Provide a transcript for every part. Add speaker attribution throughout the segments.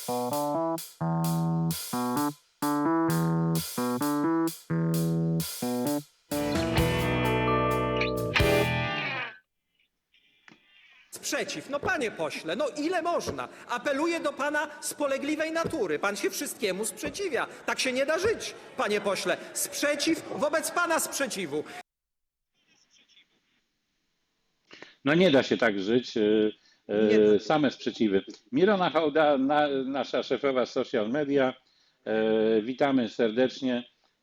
Speaker 1: Sprzeciw. No panie pośle, no ile można? Apeluję do pana spolegliwej natury. Pan się wszystkiemu sprzeciwia. Tak się nie da żyć, panie pośle. Sprzeciw wobec pana sprzeciwu.
Speaker 2: No nie da się tak żyć. Same sprzeciwy. Mirona Hołda, nasza szefowa social media. Witamy serdecznie.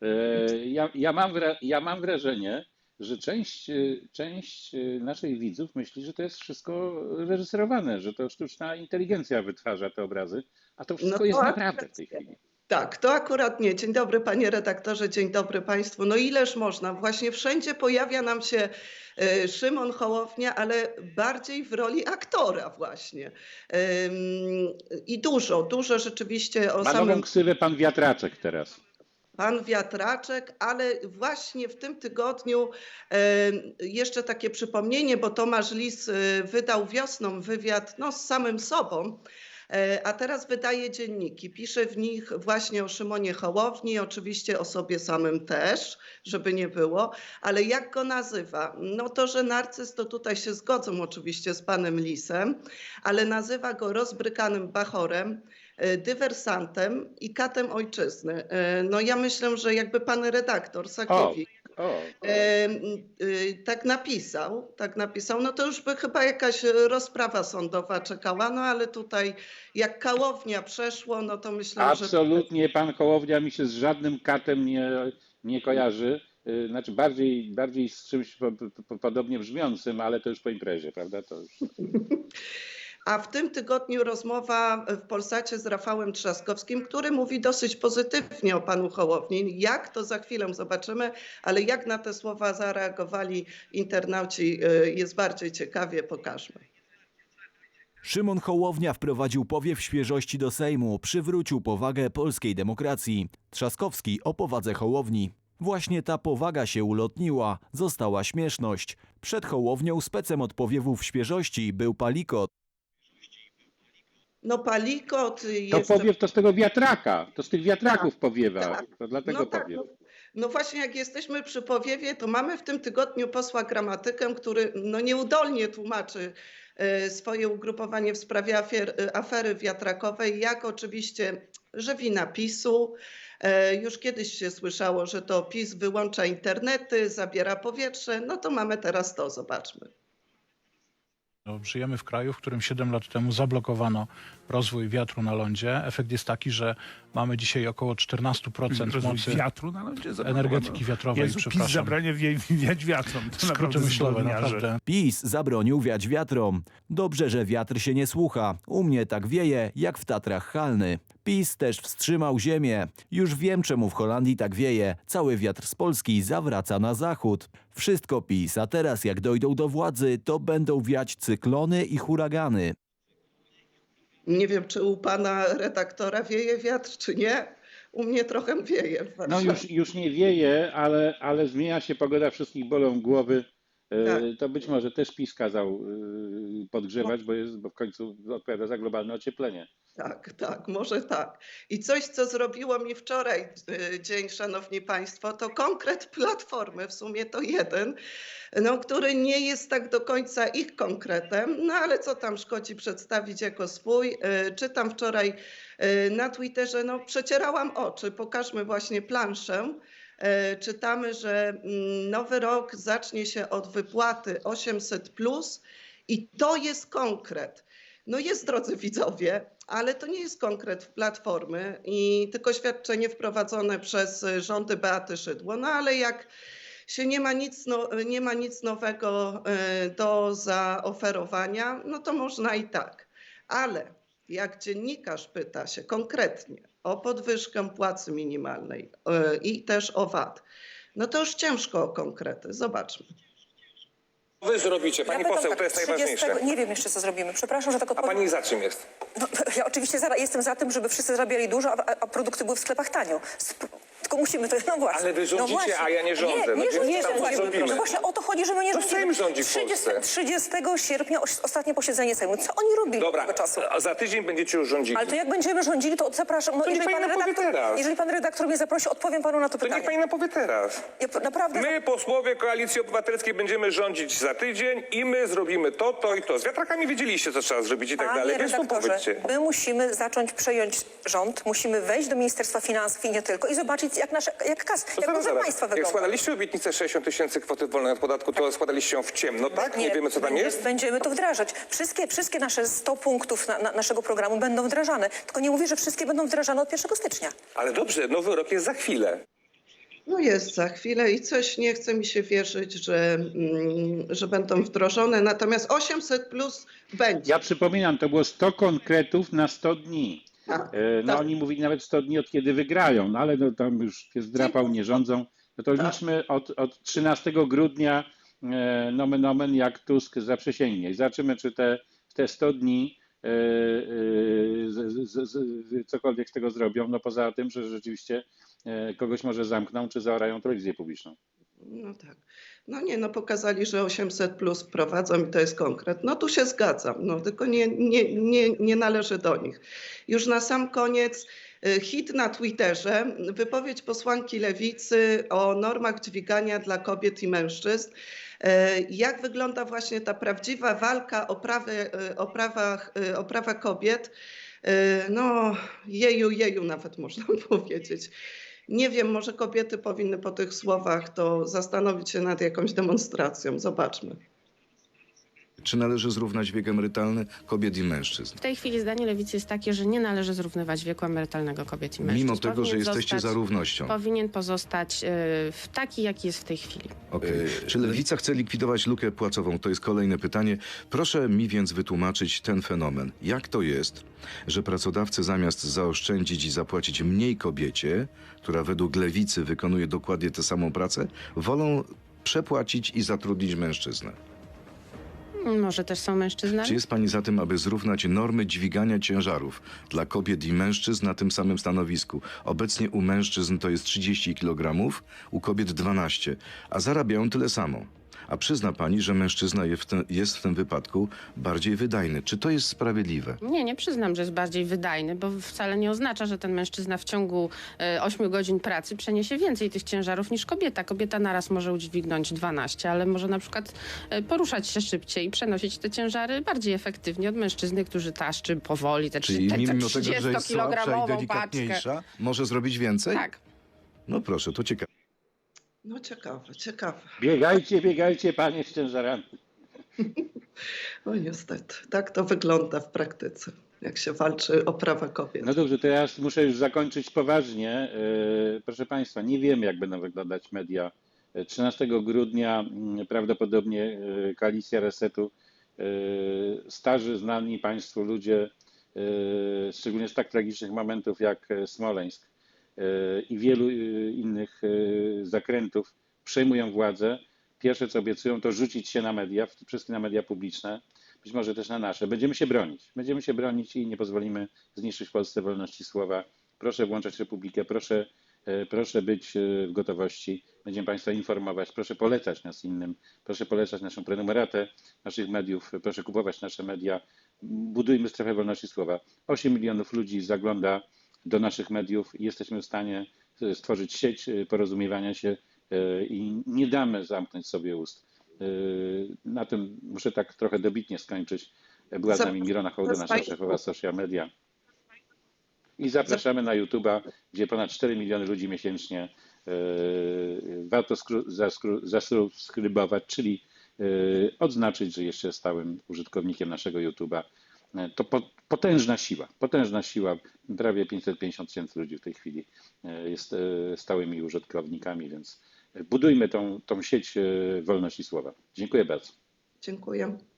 Speaker 2: Ja mam wrażenie, że część naszych widzów myśli, że to jest wszystko reżyserowane, że to sztuczna inteligencja wytwarza te obrazy, a to wszystko jest naprawdę w tej chwili.
Speaker 3: Tak, to akurat nie. Dzień dobry panie redaktorze, dzień dobry państwu. No ileż można? Właśnie wszędzie pojawia nam się Szymon Hołownia, ale bardziej w roli aktora właśnie. I dużo rzeczywiście o
Speaker 2: Ma
Speaker 3: samym...
Speaker 2: nową ksywę pan Wiatraczek teraz.
Speaker 3: Pan Wiatraczek, ale właśnie w tym tygodniu jeszcze takie przypomnienie, bo Tomasz Lis wydał wiosną wywiad z samym sobą, a teraz wydaje dzienniki. Pisze w nich właśnie o Szymonie Hołowni, oczywiście o sobie samym też, żeby nie było, ale jak go nazywa? No to, że narcyz, to tutaj się zgodzą oczywiście z panem Lisem, ale nazywa go rozbrykanym bachorem, dywersantem i katem ojczyzny. No ja myślę, że jakby pan redaktor Sakiewicz tak napisał, no to już by chyba jakaś rozprawa sądowa czekała, no ale tutaj jak Hołownia przeszło, no to myślę, że...
Speaker 2: Absolutnie pan Hołownia mi się z żadnym katem nie kojarzy. Znaczy bardziej z czymś podobnie brzmiącym, ale to już po imprezie, prawda? To już...
Speaker 3: A w tym tygodniu rozmowa w Polsacie z Rafałem Trzaskowskim, który mówi dosyć pozytywnie o panu Hołowni. Jak, to za chwilę zobaczymy, ale jak na te słowa zareagowali internauci, jest bardziej ciekawie, pokażmy.
Speaker 4: Szymon Hołownia wprowadził powiew świeżości do Sejmu, przywrócił powagę polskiej demokracji. Trzaskowski o powadze Hołowni. Właśnie ta powaga się ulotniła, została śmieszność. Przed Hołownią specem od powiewów świeżości był Palikot.
Speaker 3: No Palikot
Speaker 2: To
Speaker 3: jest...
Speaker 2: powiew to z tego wiatraka, to z tych wiatraków powiewa,
Speaker 3: tak.
Speaker 2: to dlatego powiew.
Speaker 3: No właśnie, jak jesteśmy przy powiewie, to mamy w tym tygodniu posła Gramatykę, który nieudolnie tłumaczy swoje ugrupowanie w sprawie afery wiatrakowej, jak oczywiście, że wina PiS-u. Już kiedyś się słyszało, że to PiS wyłącza internety, zabiera powietrze, no to mamy teraz to, zobaczmy.
Speaker 5: No, żyjemy w kraju, w którym 7 lat temu zablokowano rozwój wiatru na lądzie. Efekt jest taki, że mamy dzisiaj około 14% mocy
Speaker 6: wiatru na lądzie
Speaker 5: energetyki wiatrowej.
Speaker 6: Jezu, PiS zabrania wiać wiatrom. To
Speaker 5: skróty myślowe, naprawdę.
Speaker 4: PiS zabronił wiać wiatrom. Dobrze, że wiatr się nie słucha. U mnie tak wieje, jak w Tatrach Chalny. PiS też wstrzymał ziemię. Już wiem, czemu w Holandii tak wieje. Cały wiatr z Polski zawraca na zachód. Wszystko PiS, a teraz jak dojdą do władzy, to będą wiać cyklony i huragany.
Speaker 3: Nie wiem, czy u pana redaktora wieje wiatr, czy nie. U mnie trochę wieje.
Speaker 2: No już nie wieje, ale zmienia się pogoda, wszystkich bolą głowy.
Speaker 3: Tak.
Speaker 2: To być może też PiS kazał podgrzewać, bo w końcu odpowiada za globalne ocieplenie.
Speaker 3: Tak, może tak. I coś, co zrobiło mi wczoraj dzień, szanowni państwo, to konkret Platformy, w sumie to jeden, który nie jest tak do końca ich konkretem, no ale co tam szkodzi przedstawić jako swój. Czytam wczoraj na Twitterze, przecierałam oczy, pokażmy właśnie planszę. Czytamy, że nowy rok zacznie się od wypłaty 800+, i to jest konkret. No jest, drodzy widzowie, ale to nie jest konkret w Platformy, tylko świadczenie wprowadzone przez rządy Beaty Szydło. No ale jak się nie ma nic nowego do zaoferowania, no to można i tak. Ale jak dziennikarz pyta się konkretnie o podwyżkę płacy minimalnej i też o VAT, no to już ciężko o konkrety. Zobaczmy.
Speaker 7: Wy zrobicie, pani poseł, to jest najważniejsze.
Speaker 8: Nie wiem jeszcze, co zrobimy. Przepraszam, że tak
Speaker 7: A
Speaker 8: odpowiem.
Speaker 7: pani za czym jest?
Speaker 8: No, ja oczywiście jestem za tym, żeby wszyscy zarabiali dużo, a produkty były w sklepach tanio. tylko musimy to, no właśnie.
Speaker 7: Ale wy rządzicie,
Speaker 8: właśnie.
Speaker 7: a ja nie rządzę. No
Speaker 8: Nie,
Speaker 7: więc
Speaker 8: nie
Speaker 7: tam
Speaker 8: rządzimy.
Speaker 7: zrobimy.
Speaker 8: No właśnie o to chodzi, że my nie
Speaker 7: To
Speaker 8: rządzimy.
Speaker 7: Sejm rządzi w Polsce.
Speaker 8: 30 sierpnia ostatnie posiedzenie Sejmu. Co oni robili
Speaker 7: Dobra,
Speaker 8: tego czasu?
Speaker 7: a za tydzień będziecie już rządzili.
Speaker 8: Ale to jak będziemy rządzili, to zapraszam. No,
Speaker 7: To niech pani nam powie teraz.
Speaker 8: jeżeli pan redaktor mnie zaprosi, odpowiem panu na to
Speaker 7: To
Speaker 8: pytanie.
Speaker 7: niech pani nam powie teraz.
Speaker 8: Ja naprawdę...
Speaker 7: My, posłowie Koalicji Obywatelskiej, będziemy rządzić za tydzień i my zrobimy to i to. Z wiatrakami wiedzieliście, co trzeba zrobić i tak
Speaker 8: Panie
Speaker 7: dalej, więc to
Speaker 8: redaktorze,
Speaker 7: powiedzcie.
Speaker 8: my musimy zacząć przejąć rząd, musimy wejść do Ministerstwa Finansów i nie tylko i zobaczyć, jak budżet państwa
Speaker 7: Jak
Speaker 8: wygląda.
Speaker 7: składaliście obietnicę 60 000 kwoty wolnej od podatku, to składaliście ją w ciemno, tak? Nie wiemy, co tam jest?
Speaker 8: Będziemy to wdrażać. Wszystkie nasze 100 punktów naszego programu będą wdrażane. Tylko nie mówię, że wszystkie będą wdrażane od 1 stycznia.
Speaker 7: Ale dobrze, nowy rok jest za chwilę.
Speaker 3: No jest za chwilę i coś nie chce mi się wierzyć, że będą wdrożone, natomiast 800 plus będzie.
Speaker 2: Ja przypominam, to było 100 konkretów na 100 dni.
Speaker 3: Tak,
Speaker 2: No
Speaker 3: tak.
Speaker 2: oni mówili nawet 100 dni od kiedy wygrają, no ale no, tam już jest drapał, nie rządzą. No to liczmy od 13 grudnia nomen omen jak Tusk zaprzysięgnie. I zobaczymy, czy te 100 dni cokolwiek z tego zrobią, no poza tym, że rzeczywiście kogoś może zamkną, czy zaorają telewizję publiczną.
Speaker 3: No tak. No nie, no pokazali, że 800 plus wprowadzą i to jest konkret. No tu się zgadzam, no tylko nie należy do nich. Już na sam koniec hit na Twitterze, wypowiedź posłanki Lewicy o normach dźwigania dla kobiet i mężczyzn. Jak wygląda właśnie ta prawdziwa walka o prawa kobiet? No jeju nawet można powiedzieć. Nie wiem, może kobiety powinny po tych słowach to zastanowić się nad jakąś demonstracją. Zobaczmy.
Speaker 9: Czy należy zrównać wiek emerytalny kobiet i mężczyzn?
Speaker 10: W tej chwili zdanie Lewicy jest takie, że nie należy zrównywać wieku emerytalnego kobiet i mężczyzn.
Speaker 9: Mimo tego, że
Speaker 10: Powinien
Speaker 9: jesteście za równością.
Speaker 10: Powinien pozostać taki, jaki jest w tej chwili.
Speaker 9: Okay. Czy Lewica chce likwidować lukę płacową? To jest kolejne pytanie. Proszę mi więc wytłumaczyć ten fenomen. Jak to jest, że pracodawcy zamiast zaoszczędzić i zapłacić mniej kobiecie, która według Lewicy wykonuje dokładnie tę samą pracę, wolą przepłacić i zatrudnić mężczyznę?
Speaker 10: Może też są mężczyznami?
Speaker 9: Czy jest pani za tym, aby zrównać normy dźwigania ciężarów dla kobiet i mężczyzn na tym samym stanowisku? Obecnie u mężczyzn to jest 30 kg, u kobiet 12, a zarabiają tyle samo. A przyzna pani, że mężczyzna jest w tym wypadku bardziej wydajny. Czy to jest sprawiedliwe?
Speaker 10: Nie przyznam, że jest bardziej wydajny, bo wcale nie oznacza, że ten mężczyzna w ciągu 8 godzin pracy przeniesie więcej tych ciężarów niż kobieta. Kobieta naraz może udźwignąć 12, ale może na przykład poruszać się szybciej i przenosić te ciężary bardziej efektywnie od mężczyzny, który taszczy powoli te
Speaker 9: Czyli mimo tego, że jest słabsza i
Speaker 10: 30-kilogramową paczkę.
Speaker 9: delikatniejsza, może zrobić więcej?
Speaker 10: Tak.
Speaker 9: No proszę, to ciekawe.
Speaker 3: No ciekawe.
Speaker 2: Biegajcie panie z ciężarami.
Speaker 3: No niestety, tak to wygląda w praktyce, jak się walczy o prawa kobiet.
Speaker 2: No dobrze, to ja muszę już zakończyć poważnie. Proszę państwa, nie wiemy, jak będą wyglądać media. 13 grudnia prawdopodobnie koalicja Resetu, starzy, znani państwu ludzie, szczególnie z tak tragicznych momentów jak Smoleńsk i wielu innych zakrętów, przejmują władzę. Pierwsze, co obiecują, to rzucić się na media, wszystkie na media publiczne, być może też na nasze. Będziemy się bronić i nie pozwolimy zniszczyć w Polsce wolności słowa. Proszę włączać Republikę, proszę być w gotowości. Będziemy państwa informować, proszę polecać nas innym, proszę polecać naszą prenumeratę naszych mediów, proszę kupować nasze media. Budujmy strefę wolności słowa. 8 milionów ludzi zagląda do naszych mediów i jesteśmy w stanie stworzyć sieć porozumiewania się i nie damy zamknąć sobie ust. Na tym muszę tak trochę dobitnie skończyć. Była z nami Mirona Hołda, nasza szefowa social media. I zapraszamy na YouTube'a, gdzie ponad 4 miliony ludzi miesięcznie. Warto zasubskrybować, czyli odznaczyć, że jeszcze stałym użytkownikiem naszego YouTube'a. To potężna siła. Prawie 550 000 ludzi w tej chwili jest stałymi użytkownikami, więc budujmy tą sieć wolności słowa. Dziękuję bardzo.
Speaker 3: Dziękuję.